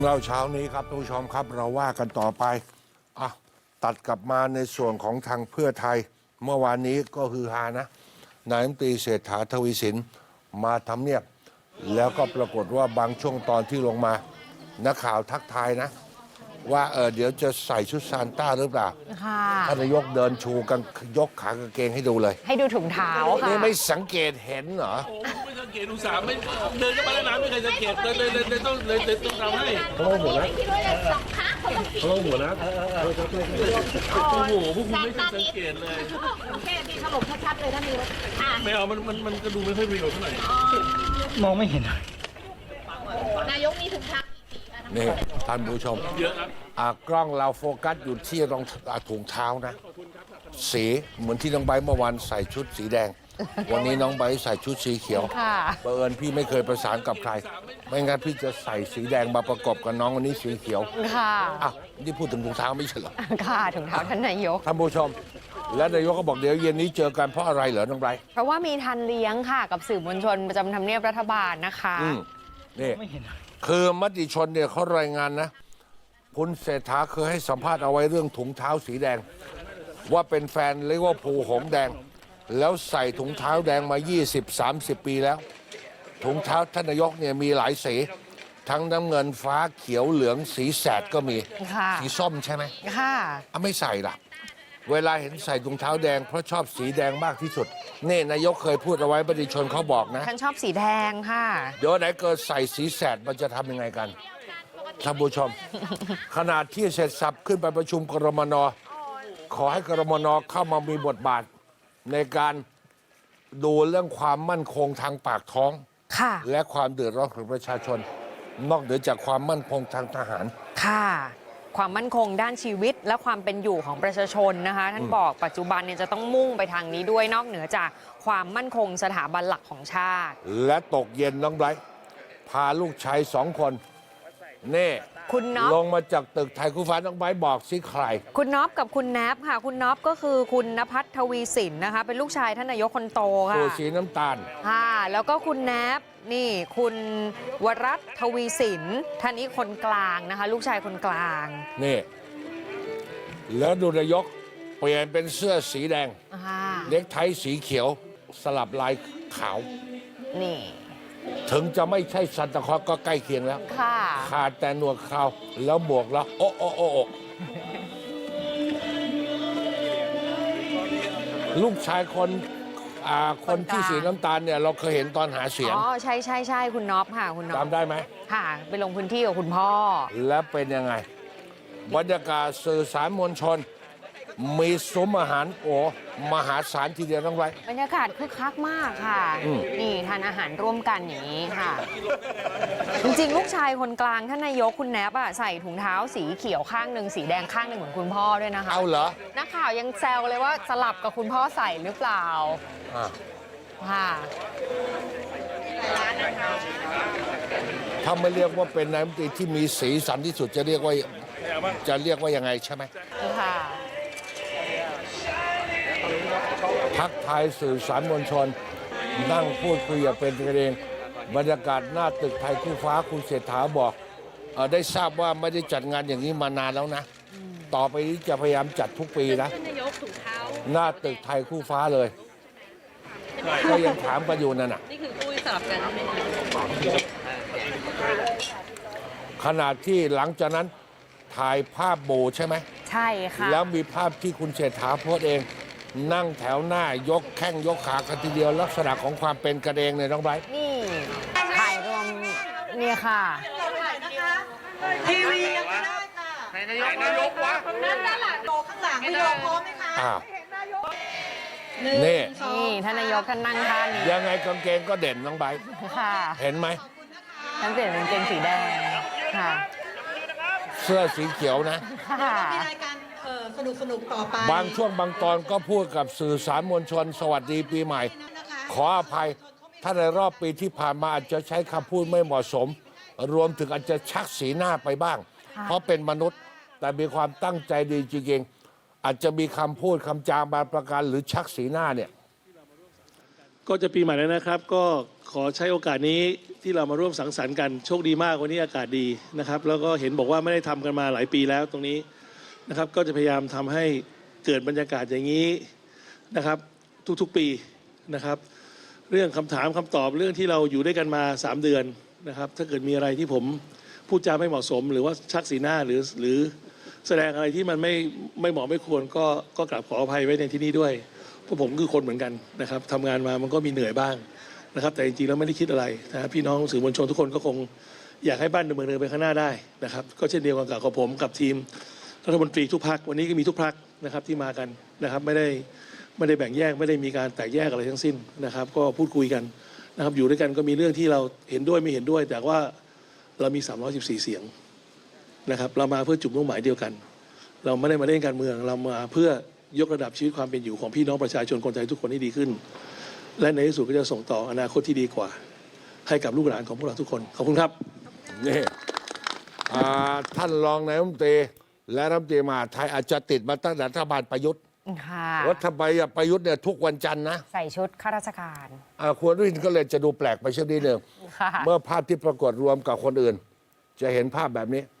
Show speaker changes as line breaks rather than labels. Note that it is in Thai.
เราเช้านี้ครับท่านผู้ชมครับเราว่ากันต่อไปตัดกลับมาในส่วนของทางเพื่อไทยเมื่อวานนี้ก็คือฮานะนายรัฐมนตรีเศรษฐาทวีสินมาทำเนียบแล้วก็ปรากฏว่าบางช่วงตอนที่ลงมานักข่าวทักทายนะว่าเดี๋ยวจะใส่ชุดซานต้าหรือเปล่าท่านนายกเดินชูกันยกขากางเกงให้ดูเลย
ให้ดูถุงเท้าค่ะ
นี่ไม่สังเกตเห็นเหรอ
ไม่สังเกตอุตส่าห์ไม่เดินเข้ามาในน้ำไม่เคยสังเกตเลยต้องทำให้เขาหัวนะเขาหัวนะโอ้โหพวกคุณไม่เคยสังเกตเลย
แค่ที่ถล่มชัดๆเลยท่านนายก
ไม่เอามันก็ดูไม่ค่อยประโยชน์เท่าไหร่
มองไม่เห็น
นายกมีถุงเท้า
นี่ท่านผู้ชม
เยอะครับ
กล้องเราโฟกัสอยู่ที่รองถุงเท้านะสีเหมือนที่น้องใบเมื่อวานใส่ชุดสีแดงวันนี้น้องใบใส่ชุดสีเขียวบังเอิญพี่ไม่เคยประสานกับใครไม่งั้นพี่จะใส่สีแดงมาประกบกับน้องวันนี้สีเขียว
ค่ะ
นี่พูดถึงถุงเท้าไม่ใช่เหรอ
ค่ะถุงเท้าท่านนายก
ท่านผู้ชมและนายกก็บอกเดี๋ยวเย็นนี้เจอกันเพราะอะไรเหรอน้องใบ
เพราะว่ามีทันเลี้ยงค่ะกับสื่อมวลชนประจำทำเนียบรัฐบาลนะคะ
นี่คือมติชนเนี่ยเขารายงานนะคุณเศรษฐาเคยให้สัมภาษณ์เอาไว้เรื่องถุงเท้าสีแดงว่าเป็นแฟนลิเวอร์พูลหงแดงแล้วใส่ถุงเท้าแดงมา 20-30 ปีแล้วถุงเท้าท่านนายกเนี่ยมีหลายสีทั้งน้ำเงินฟ้าเขียวเหลืองสีแสดก็มีสีส้มใช่ไหม
ค่ะ
ไม่ใส่ล่ะเวลาเห็นใส่ถุงเท้าแดงเพราะชอบสีแดงมากที่สุดนี่นายกเคยพูดเอาไว้มติชนเขาบอกนะ
ท่านชอบสีแดงค่ะ
เดี๋ยวไหนเกิดใส่สีแสดมันจะทำยังไงกันท่านผู้ชม ขณะที่เสร็จสับขึ้นไปประชุมกรมน.ขอให้กรมน.เข้ามามีบทบาทในการดูเรื่องความมั่นคงทางปากท้องและความเดือดร้อนของประชาชนนอกเหนือจากความมั่นคงทางทหาร
ค่ะความมั่นคงด้านชีวิตและความเป็นอยู่ของประชาชนนะคะท่านบอกปัจจุบันเนี่ยจะต้องมุ่งไปทางนี้ด้วยนอกเหนือจากความมั่นคงสถาบันหลักของชาติ
และตกเย็นน้องไบรท์พาลูกชาย2 คนนี่
คุณน็อป
ลงมาจากตึกไทยคู่ฟ้าน้องไบรท์บอกสิใคร
คุณน็อปกับคุณแนบค่ะคุณน็อปก็คือคุณณภัทร ทวีสินนะคะเป็นลูกชายท่านนายกคนโตค่ะ
ตัวสีน้ำตาล
ค่ะแล้วก็คุณแนบนี่คุณวรัตน์ ทวีสินท่านนี้คนกลางนะคะลูกชายคนกลาง
นี่แล้วดูนายกเปลี่ยนเป็นเสื้อสีแดงเน็กไทสีเขียวสลับลายขาว
นี่
ถึงจะไม่ใช่ซันตาคลอสก็ใกล้เคียงแล้วขาดแต่หนวดเขาแล้วบวกแล้วโอ้ลูกชายคนที่สีน้ำตาลเนี่ยเราเคยเห็นตอนหาเสียง
ใช่คุณน็อปค่ะคุณน็อป
จำได้ไหม
ค่ะไปลงพื้นที่กับคุณพ่อ
แล้วเป็นยังไงบรรยากาศสื่อสารมวลชนมีซุ้มอาหารมหาศาลทีเดียวต้องไว้
บรรยากาศคึกคักมากค่ะนี่ทานอาหารร่วมกันอย่างนี้ค่ะจริงๆลูกชายคนกลางท่านนายกคุณแนบใส่ถุงเท้าสีเขียวข้างหนึ่งสีแดงข้างหนึ่งเหมือนคุณพ่อด้วยนะคะ
เอาเหรอ
นักข่าวยังแซวเลยว่าสลับกับคุณพ่อใส่หรือเปล่าค่ะ
ถ้าไม่เรียกว่าเป็นนายกรัฐมนตรีที่มีสีสันที่สุดจะเรียกว่ายังไงใช่ไหม
ค่ะ
ทักทายสื่อสารมวลชนนั่งพูดคุยอย่างเป็นกันเองบรรยากาศหน้าตึกไทยคู่ฟ้าคุณเศรษฐาบอกได้ทราบว่าไม่ได้จัดงานอย่างนี้มานานแล้วนะต่อไปนี้จะพยายามจัดทุกปีนะหน้าตึกไทยคู่ฟ้าเลยก็ยังถามกันอยู่นั่นน่ะ
นี่คือคุยสลับกัน
ขณะที่หลังจากนั้นถ่ายภาพโบใช่ไหม
ใช่ค่ะ
แล้วมีภาพที่คุณเศรษฐาโพสเองนั่งแถวหน้ายกแข้งยกขากันทีเดียวลักษณะของความเป็นกระเดงเลยน้องไบรท์
นี่ถ่ายรวมเนี่ยค่ะ
ทีวียังไม่ได้ค่ะ
นายกวะ
นั่นแหละโตข้างหลังพี่โยพร้อมไหมคะ
นี่
ท่านนายกท่านนั่งท่าน
ยังไงกางเกงก็เด่นน้องไบรท์เห็นไหม
ท่านเปลี่ยนเป็นกางเกงสีแดงค่ะ
เสื้อสีเขียวนะ
มีรายการสนุกต่อไป
บางช่วงบางตอนก็พูดกับสื่อสารมวลชนสวัสดีปีใหม่ขออภัยถ้าในรอบปีที่ผ่านมาอาจจะใช้คำพูดไม่เหมาะสมรวมถึงอาจจะชักสีหน้าไปบ้างเพราะเป็นมนุษย์แต่มีความตั้งใจดีจริงๆอาจจะมีคำพูดคำจาบางประการหรือชักสีหน้าเนี่ย
ก็จะปีใหม่แล้วนะครับก็ขอใช้โอกาสนี้ที่เรามาร่วมสังสรรค์กันโชคดีมากวันนี้อากาศดีนะครับแล้วก็เห็นบอกว่าไม่ได้ทำกันมาหลายปีแล้วตรงนี้นะครับก็จะพยายามทำให้เกิดบรรยากาศอย่างนี้นะครับทุกๆปีนะครับเรื่องคำถามคำตอบเรื่องที่เราอยู่ด้วยกันมา3 เดือนนะครับถ้าเกิดมีอะไรที่ผมพูดจาไม่เหมาะสมหรือว่าชักสีหน้าหรือแสดงอะไรที่มันไม่เหมาะไม่ควรก็กราบขออภัยไว้ในที่นี้ด้วยเพราะผมคือคนเหมือนกันนะครับทำงานมามันก็มีเหนื่อยบ้างนะครับแต่จริงๆแล้วไม่ได้คิดอะไรนะพี่น้องสื่อมวลชนทุกคนก็คงอยากให้บ้านเมืองเดินไปข้างหน้าได้นะครับก็เช่นเดียวกันกับผมกับทีมรัฐมนตรีทุกพรรควันนี้ก็มีทุกพรรคนะครับที่มากันนะครับไม่ได้แบ่งแยกไม่ได้มีการแตกแยกอะไรทั้งสิ้นนะครับก็พูดคุยกันนะครับอยู่ด้วยกันก็มีเรื่องที่เราเห็นด้วยไม่เห็นด้วย แต่ว่าเรามี314 เสียงนะครับเรามาเพื่อจุดมุ่งหมายเดียวกันเราไม่ได้มาเล่นการเมืองเรามาเพื่อยกระดับชีวิตความเป็นอยู่ของพี่น้องประชาชนคนไทยทุกคนให้ดีขึ้นและในที่สุดก็จะส่งต่ออนาคตที่ดีกว่าให้กับลูกหลานของพวกเราทุกคนขอบคุณครับ
นี่ท่านรองนายกรัฐมนตรีและรัฐมนตรีมหาดไทยอาจจะติดมาตั้งแต่รัฐบาลประยุทธ์
ค่ะ
รัฐบาลประยุทธ์เนี่ยทุกวันจันทร์นะ
ใส่ชุดข้าราชการ
ควรวินก็เลยจะดูแปลกไปเช่นนี้หนึ่ง
ค่ะ
เมื่อภาพที่ปรากฏรวมกับคนอื่น จะเห็นภาพแบบนี้